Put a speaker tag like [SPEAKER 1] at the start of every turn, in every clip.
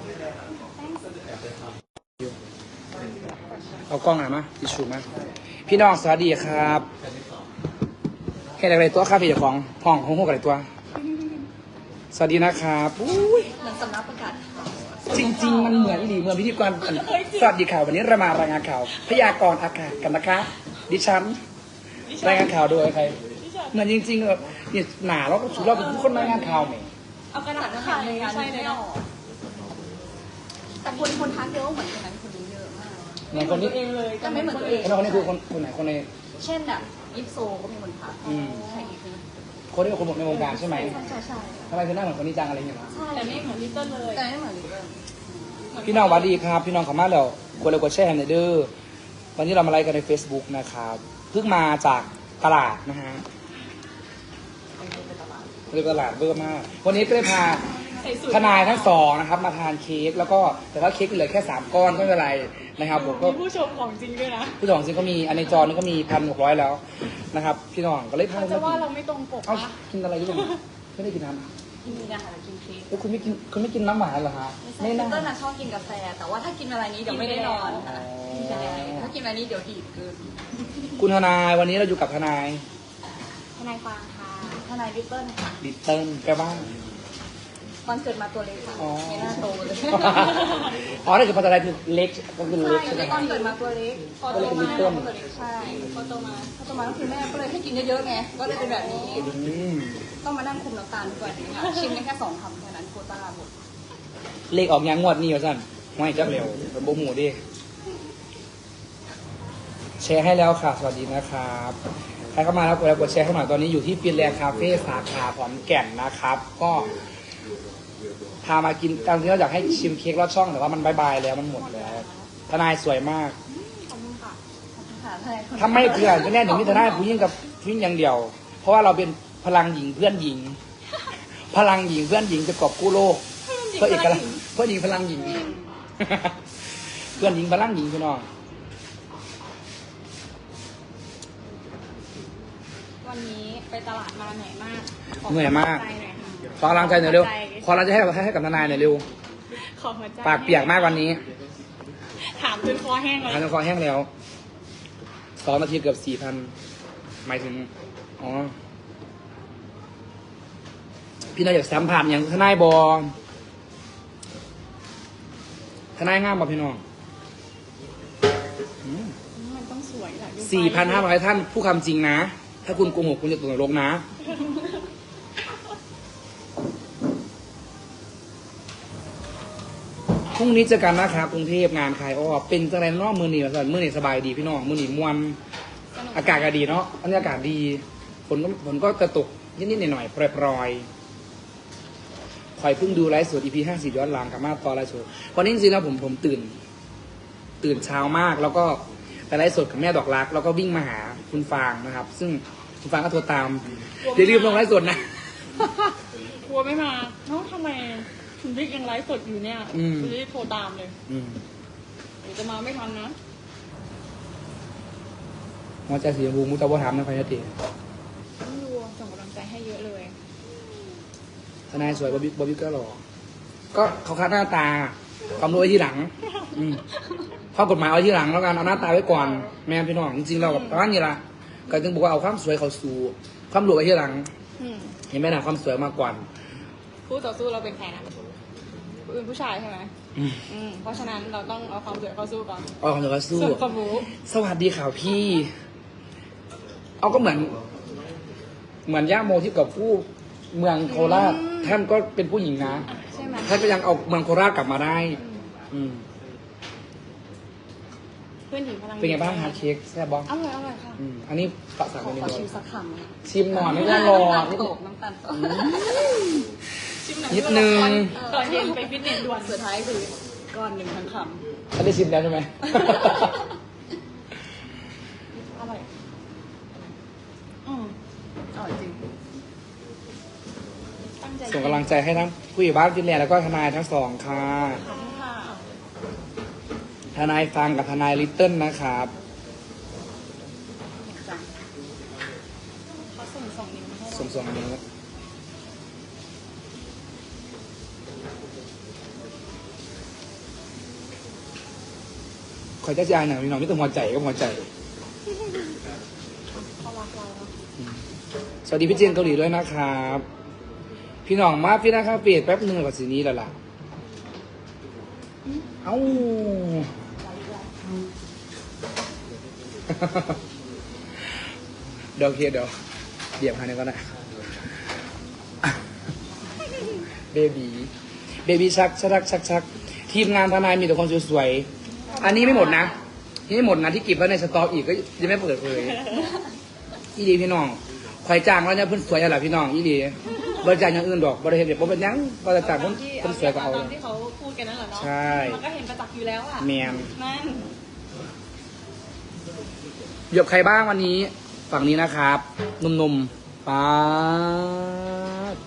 [SPEAKER 1] เอากล้องหน่อยมาทิชชู่มาพี่น้องสวัสดีครับเห็นอะไรตัวครับพี่เจ้าของห้องห้องอะไรตัว สวัสดีนะครับอุ้ย
[SPEAKER 2] เหมือนสำนักประกาศข่าว
[SPEAKER 1] จริงๆมันเหมือนดีเหมือนพิธีกรสวัสดีข่าววันนี้เรามารายงานข่าวพยากรณ์อากาศกันนะคะดิฉันรายงานข่าวโดยใครเหมือนจริงๆแบบนี่หนาแล้วก็สุดเราเป็นคนรายงานข่าวไหม
[SPEAKER 2] เอากระดาษมาทำในงานไม่ได้หรอแต่คนทักเยอะเหมือนคนนั้นคนนี้เยอะมาก
[SPEAKER 1] เหมือนคนนี้
[SPEAKER 2] เองเลยแต่ไม่เหมือนตัวเอง
[SPEAKER 1] คนนี้คือคนไหนคนใน
[SPEAKER 2] เช่นแบบยิปโซก็มีคนทักใครอีกนะ
[SPEAKER 1] คนที่เป็นคนในวงการใช่ไหม
[SPEAKER 2] ใช่
[SPEAKER 1] ทำไมคือหน้าเหมือนคนนี้จังอะไรอย่างเงี้ย
[SPEAKER 2] ใช่แต่ไม่เหมือนลิตเติ้ลเลยแต่ไม่เหมือนลิตเติ้ล
[SPEAKER 1] พี่น้องสวัสดีครับพี่น้องขอมาแล้วกดไลค์กดแชร์ให้หน่อยเด้อวันนี้เรามาไลฟ์กันใน Facebook นะครับเพิ่งมาจากตลาดนะฮะเรียกตลาดเบอร์มากวันนี้ก็ได้พาทนายทั้งสองนะครับมาทานเค้กแล้วก็แต่ว่าเค้กเหลือแค่3ก้อนก็ไม่เป็นไรนะครับผมก็
[SPEAKER 3] มีผู้ชมของจริงด้วยนะ
[SPEAKER 1] ผู้สองจริงก็มีอันในจอนี่ก็มี1,600แล้วนะครับพี่น้องก็เลยพา
[SPEAKER 3] เขาจะว่าเราไม่ตรงปก
[SPEAKER 1] เอ้า
[SPEAKER 3] ปะ
[SPEAKER 1] กินอะไรด้วยไม่ได้กินน้ำ
[SPEAKER 2] กินนะคะกินเค้ก
[SPEAKER 1] แล้วคุณไม่กินน้ำหวานเหรอฮะ
[SPEAKER 2] ลิ
[SPEAKER 1] ไม่
[SPEAKER 2] ต
[SPEAKER 1] น่า
[SPEAKER 2] เติ้ลน่ะชอบกินกาแฟแต่ว่าถ้ากินอะไรนี้เดี๋ยวไม่ได้นอน
[SPEAKER 1] อ๋อ
[SPEAKER 2] ใช่ถ้ากินอะไรนี้เดี๋ยวดีดเกิน
[SPEAKER 1] คุณทนายวันนี้เราอยู่กับทนาย
[SPEAKER 2] ทนายฟางค่ะทนายลิตเติ้ลค่ะ
[SPEAKER 1] ดิตเติ้ลแปลว่า
[SPEAKER 2] ตอนเกิดมาตัวเล็กค่ะ
[SPEAKER 1] อ๋อ
[SPEAKER 2] ไม่น่าโตเลย
[SPEAKER 1] อ๋อนั่นคือภาษาไทยคือเล็กก็คือเล็กใช่ไหม
[SPEAKER 2] ตอนเกิดมาตัวเล็กพอโตมาตัวเล็กใช่พอโตมาก็คือแม่ก็เลยให้กินเยอะๆไงก็เลยเป็นแบบนี้
[SPEAKER 1] อืม
[SPEAKER 2] ต้องมานั่งคุมน้ำตาลทุกวันนี้ค่ะชิมได้แค่2 คำแค่นั้นโควต้าหมด
[SPEAKER 1] เลขออกยังงวดนี้วะสั้นไม่จับเร็วเป็นโบหมูดิแชร์ให้แล้วค่ะสวัสดีนะครับใครเข้ามาแล้วกดแชร์ให้หน่อยตอนนี้อยู่ที่ฟินแลนด์คาเฟ่สาขาขอนแก่นนะครับ ก็พามากินตามที่เราอยากให้ชิมเค้กลอดช่องแต่ว่ามันบายๆแล้วมันหมดแล้วทนายสวยมาก
[SPEAKER 2] ขอบคุณค่ะขอบคุณค่ะทนายคน
[SPEAKER 1] ทำไม่เพื่อนก็แน่หนึ่งมิตรได้ผู้หญิงกับผู้หญิงอย่างเดียว เพราะว่าเราเป็นพลังหญิงเพื่อนหญิง พลังหญิงเพื่อนหญิงจะกอบกู้โลกเพื่อเอกลักษณ์เพื่อนหญิงพลังหญิง เพื่อนหญิงพลังหญิงพี่น้อง
[SPEAKER 3] วันนี้ไปตลาดมาเหนื่อยมาก
[SPEAKER 1] เหนื่อยมาก
[SPEAKER 3] ขอหัวใจหน่อยค่ะ
[SPEAKER 1] ขอกำลังใจหน่อยเร็วขอกำลังใจให้กับทนายหน่อยเร็ว
[SPEAKER 3] ขอหัวใจ
[SPEAKER 1] ปากเปียกมากวันนี้
[SPEAKER 3] ถามจนคอแห้งเลย
[SPEAKER 1] ทานคอแห้งแล้ว2 นาทีเกือบ4,000หมายถึงอ๋อพี่นายอยากสัมผัสอย่างทนายบอทนายงามบ่พี่น้อง
[SPEAKER 3] มันต้องสวยแหละดูไป
[SPEAKER 1] 4,500 ท่านผู้คำจริงนะ ถ้าคุณโกหกคุณจะตกนรกนะ พรุ่งนี้เจอกันนะครับกรุงเทพงานขายอ้อเป็นจังไรเนอกมือหนีมาสั่นมือหนีสบายดีพี่น้องมือหนีมวน
[SPEAKER 3] สนุก
[SPEAKER 1] อากาศก็ดีเนาะอันนี้อากาศดีฝนก็จะตกนิดๆหน่อยๆปรอยๆคอยเพิ่งดูไลฟ์สด EP 50ย้อนหลังกับมาตอนไลฟ์สดวันนี้จริงๆแล้วผมตื่นเช้ามาก แล้วก็ไปไลฟ์สดกับแม่ดอกรัก แล้วก็วิ่งมาหาคุณฟางนะครับ ซึ่งคุณฟางก็โทรตามอย่าลืมลงไลฟ์สดนะ
[SPEAKER 3] กลัวไม่มาเนาะทำไมคุณบิ๊กยังไลฟ์สดอยู่เนี่ย
[SPEAKER 1] อืม
[SPEAKER 3] คุณรีบโทรตามเลย
[SPEAKER 1] อืม
[SPEAKER 3] เดี๋ยวจะมาไม่ทันนะ
[SPEAKER 1] หัวใจสีชมพูมุตะวะถามนะพายติ
[SPEAKER 3] ต้องดูส่งกำลังใจให้เยอะเลย
[SPEAKER 1] ทนายสวยบอบบี้ก็หล่อก็เขาคัดหน้าตาความรู้ไว้ที่หลัง อืมข้อกฎหมายเอาที่หลังแล้วกันเอาหน้าตาไว้ก่อน แม่พี่น้องจริงๆเรากับประมาณนี้ละก็ถึงบอกว่าเอาความสวยเขาสู่ความรวยไว้ที่หลัง
[SPEAKER 3] อืม
[SPEAKER 1] เห็นไหมนะความสวยมากกว่า
[SPEAKER 3] คู่ต่อสู้เราเป็นใครนะเป็นผู้ชายใช่ไหม
[SPEAKER 1] อืม
[SPEAKER 3] เพราะฉะนั้นเราต้องเอาความสวยเข้าสู้ก่อน
[SPEAKER 1] เอาความสวยเขาสู้
[SPEAKER 3] ส่วนความรู้
[SPEAKER 1] สวัสดีข่าวพี่ เอาก็เหมือนย่าโมที่กับผู้เมืองโคราชท่านก็เป็นผู้หญิงนะ
[SPEAKER 3] ใช่ไหม
[SPEAKER 1] ท่านก็ยังเอาเมืองโคราชกลับมาได้ อืม
[SPEAKER 3] เพื่อนหญิงพลัง
[SPEAKER 1] เป็นไงบ้างฮะเค้กแซ่บบ้อง
[SPEAKER 3] อร่อยอร่อยค่ะ
[SPEAKER 1] อันนี้ปะสั่ง
[SPEAKER 2] ขอ
[SPEAKER 1] ไป
[SPEAKER 2] ขอ
[SPEAKER 1] นิด
[SPEAKER 2] ชิ
[SPEAKER 1] นึ
[SPEAKER 2] ม
[SPEAKER 1] ง
[SPEAKER 2] สักคำนะ
[SPEAKER 1] ชิมหน่อยไม่ต้องรอ
[SPEAKER 2] น้ำตาลโตกน้ำตาลโตก
[SPEAKER 3] ชิมหน่อย
[SPEAKER 1] นิดนึง
[SPEAKER 3] ก่อนเย็นไปฟิตเนสด่วน
[SPEAKER 2] สุดท้ายคือก้อนหนึ่งทั้งค
[SPEAKER 1] ท่านได้ชิมแล้วใช่ไหม
[SPEAKER 3] อร่อย
[SPEAKER 2] ำอร่อยจริง
[SPEAKER 3] ตั้งใจ
[SPEAKER 1] ส่งกำลังใจให้ทั้งผู้ใหญ่บ้านฟินแลนด์แล้วก็ทนายทั้งสองค่ะ
[SPEAKER 3] ขอบคุณค่ะ
[SPEAKER 1] ทนายฟังกับทนายลิตเติ้ลนะครับ
[SPEAKER 2] จ้ะ
[SPEAKER 3] เขาส่งนิ้วมาให้เรา
[SPEAKER 1] ส่งนี้ว
[SPEAKER 3] อ
[SPEAKER 1] คอยจะจ่ายหน่อยพี่น้องไม่ต้องหัวใจก็หัวใจ
[SPEAKER 3] เขารักเราเนอะ
[SPEAKER 1] สวัสดีพี่เจนเกาหลีด้วยนะครับ พี่น้องมาพี่นะครับเปลี่ยนแป๊บนึงกว่าสีนี้แล้วล่ะ เอ้า เดี๋ยวเคลียร์เดี๋ยวหาหนึ่งก็ได้เบบีชักทีมงานทนายมีแต่คนสวยๆอันนี้ไม่หมดนะนี่ไม่หมดนะที่เก็บไว้ในสต็อกอีกก็ยังไม่เปิดเลยอีดีพี่น้องคอยจ้างแล้วเนี่ยเพิ่นสวยอะไรพี่น้องอีดีบริจาคอย่างอื่นดอกบริเห็นเดี๋ยวผมเป็นยังบริจาคเพิ่นสวยก็เอา
[SPEAKER 3] ตามที่เขาพูดกันนั่นแหละเนาะ
[SPEAKER 1] ใช่
[SPEAKER 3] มันก็เห็นประจักษ์อยู่แล้วอ่ะ
[SPEAKER 1] แมน
[SPEAKER 3] นั่น
[SPEAKER 1] เหยียบใครบ้างวันนี้ฝั่งนี้นะครับหนุ่มๆป๊าด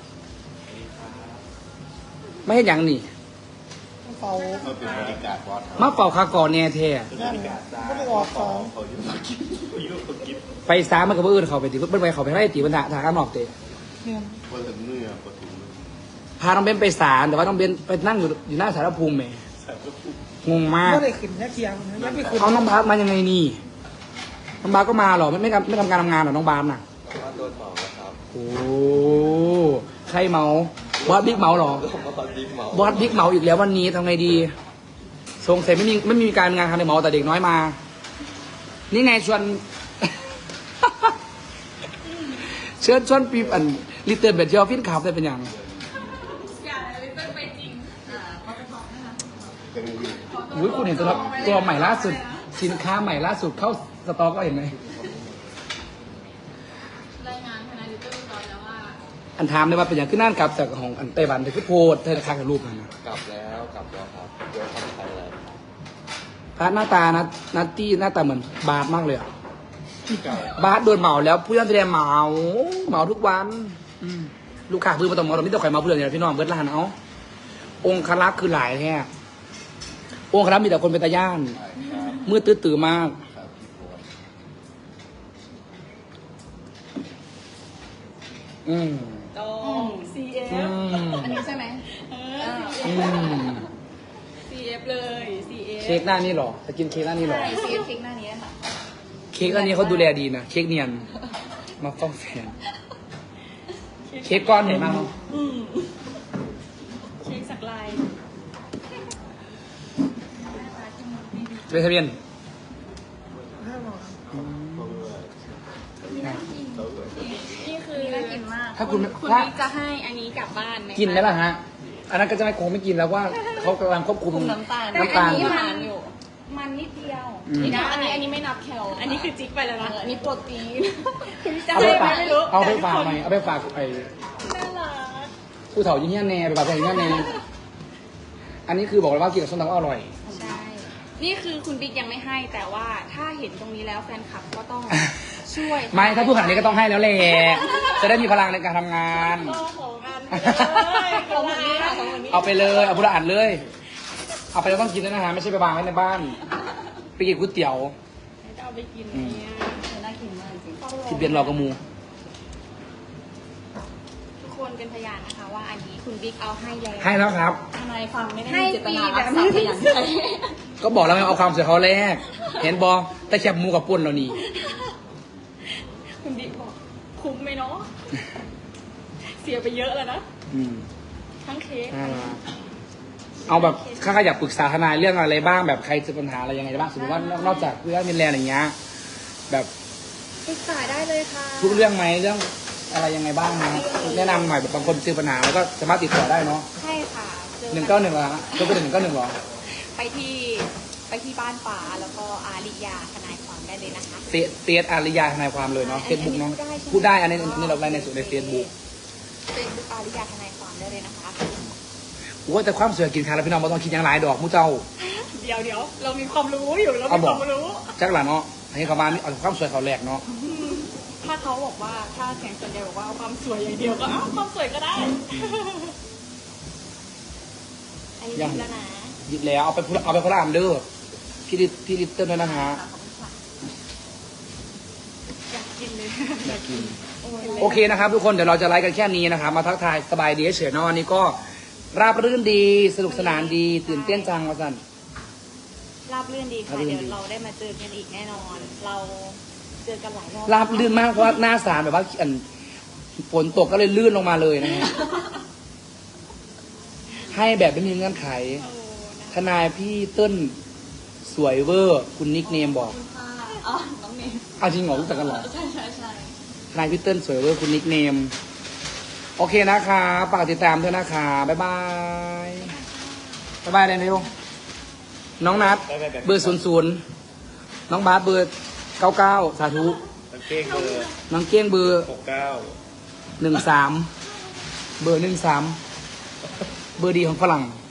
[SPEAKER 1] ไม่เห็นยังนี่
[SPEAKER 4] เฝ้า
[SPEAKER 5] ก็เป็นบริการวัด
[SPEAKER 1] มาเป่าคากรแน่แท้
[SPEAKER 4] นั่นไม่ได้ออกของ
[SPEAKER 5] เขาอยู่กินเขาอยู่กิน
[SPEAKER 1] ไปซ้ามันกับเอื่นเขาไปตีเพิ่นไปเขาไปให้ตีบรรดาทางข้างนอกเตะ
[SPEAKER 4] เนี่ย
[SPEAKER 5] ว่าถึงเนื้อพอถึง
[SPEAKER 1] พาน้องเบนไปศาลแต่ว่าน้องเบนไปนั่งอยู่หน้าสารภูมิแหม
[SPEAKER 5] แสบก็พูด
[SPEAKER 1] งงมาก
[SPEAKER 4] ก็ได้ขึ้นแค่เคียงนะยังไม่ขึ้น
[SPEAKER 1] เอาน้องบาสมายังไงนี่น้องบาสก็มาเหรอไม่ทำการทำงานเหรอน้องบาสน่ะ
[SPEAKER 5] ว่าโดนเมาแล้วครับ
[SPEAKER 1] โอ้ใครเมาบอสบิ๊กเมาเหรอ
[SPEAKER 5] ผมมาตอนดิ้มเมา
[SPEAKER 1] บอสบิ๊กเมาอีกแล้ววันนี้ทำไงดีสงสัยไม่มีการงานทำในเมาแต่เด็กน้อยมา นี่ไงชวน ชวนปีอันลิเติ้ลเบดเจอฟินขับได้เป็นอย่าง
[SPEAKER 3] อย่าเลยเป็นไปจริงเขาไปบอกนั่นแหละ
[SPEAKER 5] เป็นอยู่
[SPEAKER 1] อุ้ยคุณเห็นตัวใหม่ล่าสุด สินค้าใหม่ล่าสุดเข้าสต็อกก็เห็นไหม
[SPEAKER 3] รายงานทนายลิตเติ้ลร้อยแล้วว่า
[SPEAKER 1] อันถามได้ว่าเป็นอย่างขึ้นนั่นกลับจากของอันไต้หวันแต่คือโพดเธอค้างกับรูปมันนะ
[SPEAKER 5] กลับแล้วครับเดี๋ยวทำไทยแล้ว
[SPEAKER 1] พาร์ทหน้าตานัตตี้หน้าตาเหมือนบาสมากเลยอะ
[SPEAKER 5] เก่า
[SPEAKER 1] บาสโดนเหมาแล้วผู้ย่านแสดงเหมาทุกวันลูกค้าพื้นมาต้องเหมาเราไม่ต้องใครมาเพื่อนเนี่ยพี่น้องเบิร์ดลานเอาองค์คลักษณ์คือหลายแท้องค์คลักษณ์มีแต่คนเป็นตาย่าน
[SPEAKER 5] ครับ
[SPEAKER 1] มืดตื้อๆมาก
[SPEAKER 5] ครับพี่โพส
[SPEAKER 1] อืม
[SPEAKER 3] ตรง CF
[SPEAKER 1] อืม
[SPEAKER 2] อันนี้ใช่ไหม
[SPEAKER 3] เอ
[SPEAKER 1] อื
[SPEAKER 3] อ
[SPEAKER 1] ม
[SPEAKER 3] CF เลย CF
[SPEAKER 1] เค้กหน้านี่เหรอจะกินเค้กหน้านี่เหรอ
[SPEAKER 2] ใช่ซีเอฟพิงหน้านี้ค่ะ
[SPEAKER 1] เค้กอันนี้เขาดูแลดีนะ เค้กเนียน มาฟ้องแฟน เค้กก้อนใหญ่มากเนอะ
[SPEAKER 3] อืมเค้กสักลาย
[SPEAKER 1] เป็นทะเบียน
[SPEAKER 4] ห้าหมอ
[SPEAKER 3] นี่คือ
[SPEAKER 2] น่ากินมาก
[SPEAKER 1] ถ้าคุณ
[SPEAKER 3] คุณ
[SPEAKER 1] ถ้า
[SPEAKER 3] บิ๊กจะให้อันนี้กลับบ้านไหมคะ
[SPEAKER 1] กินไหมล่ะฮะ อันนั้นก็จะไม่คงไม่กินแล้วว่าเขากำลังควบคุม
[SPEAKER 2] คุมน้ำตาล
[SPEAKER 1] น้ำตาล
[SPEAKER 2] แต่อันนี้
[SPEAKER 3] ที่
[SPEAKER 2] มั
[SPEAKER 3] มัน นอยู่
[SPEAKER 2] มันนิดเดียว
[SPEAKER 1] อืม
[SPEAKER 3] นี่นะอันนี้ไม่นับแคลอันนี้คือจิ๊กไปแล้วนะ
[SPEAKER 2] อันนี้โปรตีน
[SPEAKER 3] คุณจะ
[SPEAKER 1] เอา
[SPEAKER 3] ให้
[SPEAKER 1] ไป
[SPEAKER 3] ไหม
[SPEAKER 1] ฝาก
[SPEAKER 3] ไม่รู้
[SPEAKER 1] เอาไปฝาก
[SPEAKER 3] แต่
[SPEAKER 1] ไหม
[SPEAKER 3] ทุกคน
[SPEAKER 1] เอาไปฝากไป
[SPEAKER 3] น่ารัก
[SPEAKER 1] ผู้เฒ่ายิ่งเงี้ยแน่ไปฝากผู้ใหญ่ยิ่งเงี้ยแน่อันนี้คือบอกเลยว่ากินกับส้มตำก็อร่อย
[SPEAKER 3] ใช่ นี่คือคุณบิ๊กยังไม่ให้ แต่ว่าถ้าเห็นตรงนี้แล้วแฟนคลับก็ต้องช่วย
[SPEAKER 1] ไม่ถ้าพูดขนาดนี้ก็ต้องให้แล้วแหละจะได้มีพลังในการทำงาน
[SPEAKER 3] ก็ของกันเลย
[SPEAKER 2] ของหมดนี้ค่ะของหมดนี้
[SPEAKER 1] เอาไปเลยเอาพุระอ่านเลย เอาไปแล้วต้องกินด้วยนะฮะไม่ใช่ไปวางไว้ในบ้าน ไปกินก๋วยเตี๋ยว
[SPEAKER 3] จะเอาไปกินเนี่ย
[SPEAKER 2] น่ากินมากจริง
[SPEAKER 1] ที่เบียนรอกระมู
[SPEAKER 3] ทุกคนเป็นพยานนะคะว่าอันนี้คุณบิ๊กเอาให้แล้ว
[SPEAKER 1] ให้แล้วครับ
[SPEAKER 2] ทนายความไม่ได้
[SPEAKER 3] ให้
[SPEAKER 2] มีเจต
[SPEAKER 3] ฟรี
[SPEAKER 2] นา
[SPEAKER 3] แบ
[SPEAKER 2] รัก
[SPEAKER 3] บ
[SPEAKER 2] ทรั
[SPEAKER 3] ไม่
[SPEAKER 2] พย์
[SPEAKER 3] ได้
[SPEAKER 2] อย่าง
[SPEAKER 3] ใช้
[SPEAKER 1] ก็บอกแล้วไงเอาความสวยเขาแรก เห็นบอแต่แคบหมูกับปุ่นเรานี่
[SPEAKER 3] คุณบิ๊กบอกคุ้มไหมเนาะ เสียไปเยอะแล้วนะ
[SPEAKER 1] อืม
[SPEAKER 3] ทั้งเค้ก
[SPEAKER 1] น่ารักเอาแบบข้าอยากปรึกษาทนายเรื่องอะไรบ้างแบบใครเจอปัญหาอะไรยังไงบ้างสมมติว่านอกจากเรื่องมินแลนด์อย่างเงี้ยแบบ
[SPEAKER 3] ปรึกษาได้เลยค่ะ
[SPEAKER 1] ทุกเรื่องไหมเรื่องอะไรยังไงบ้างนะแนะนำหน่อยแบบบางคนเจอปัญหาแล้วก็สามารถติดต่อได้เนาะ
[SPEAKER 3] ใช่ค่ะจอ
[SPEAKER 1] 191เหรอฮะโทรไป191เหรอ
[SPEAKER 3] ไปที่บ้านป่าแล้วก็อาริยาทนายความได้เลยนะคะ
[SPEAKER 1] เฟซอาริยาทนายความเลยเนาะ
[SPEAKER 3] ใช่
[SPEAKER 1] เฟซบุ๊กเนาะ
[SPEAKER 3] อันนี้พู
[SPEAKER 1] พูด
[SPEAKER 3] ดได้
[SPEAKER 1] ได้
[SPEAKER 3] ใช่ไหม
[SPEAKER 1] อันนี้เราไลน์ในส่วนในเฟซบุ๊ก
[SPEAKER 3] เป็นบุ๊กอาริยาทนายความได้เลยนะคะ
[SPEAKER 1] ว่าแต่ความสวยกินขาแล้วพี่น้องไม่ต้องคิดอย่างหลายดอกมูเจ้า
[SPEAKER 3] เดี๋ยวเรามีความรู้อยู่เรา
[SPEAKER 1] เอา
[SPEAKER 3] มี
[SPEAKER 1] บ
[SPEAKER 3] ค
[SPEAKER 1] อก
[SPEAKER 3] วามรู้
[SPEAKER 1] จักหล่ะเนาะให้เขามานี่เอาความสวยเขาแหลกเนาะ
[SPEAKER 3] ถ้าเขาบอกว่าถ้าแข่งส่วนใหญ่บอกว่าเอาความสวยอย่างเดียวก็เอาความสวยก็ได้ อันนี้ดีแล้วนะ
[SPEAKER 1] หยิบแล้วเอาไปคนละอันเด้อพี่ลิตเติ้ลด้วยนะฮะ
[SPEAKER 3] อยากกินเลย
[SPEAKER 1] อยากกิน
[SPEAKER 3] โอ้ย
[SPEAKER 1] โอเคนะครับทุกคนเดี๋ยวเราจะไลฟ์กันแค่นี้นะครับมาทักทายสบายดีเฉยๆเนาะวันนี้ก็ราบรื่นดีสนุกสนานดีตื่นเต้นจังวะสัน
[SPEAKER 3] ราบรื่นดีค่ะ
[SPEAKER 1] ราบรื่นดี
[SPEAKER 3] เดี๋ยวเราได้มาเจอกันอีกแน่นอน เราเจอกันหลายรอบ
[SPEAKER 1] ราบลื่นมากเพราะว่าหน้าศาลแบบว่าฝนตกก็เลยลื่นลงมาเลยนะฮะ ให้แบบไม่มีเงื่อนไข
[SPEAKER 3] โอ้นะ
[SPEAKER 1] ทนายพี่เติ้ลสวยเวอร์ คุณนิกเนมบอก
[SPEAKER 2] คุณค่ะอ๋อน้องเนม
[SPEAKER 1] เอาจริงเหรอรู้จักกันเหรอ
[SPEAKER 2] ใช่ใช่ใช่
[SPEAKER 1] ทนายพี่เติ้ลสวยเวอร์คุณนิกเนม โอเคนะคะฝากติดตามด้วยนะคะบ๊ายบายบ๊ายบายเลยเร็วน้องนัดเบอร์00น้องบาสเบอร์99สาธุ
[SPEAKER 5] มันเก้งเบอร์
[SPEAKER 1] น้องเก้งเบอร์
[SPEAKER 5] 69
[SPEAKER 1] 13เบอร์13เบอร์ดีของฝรั่ง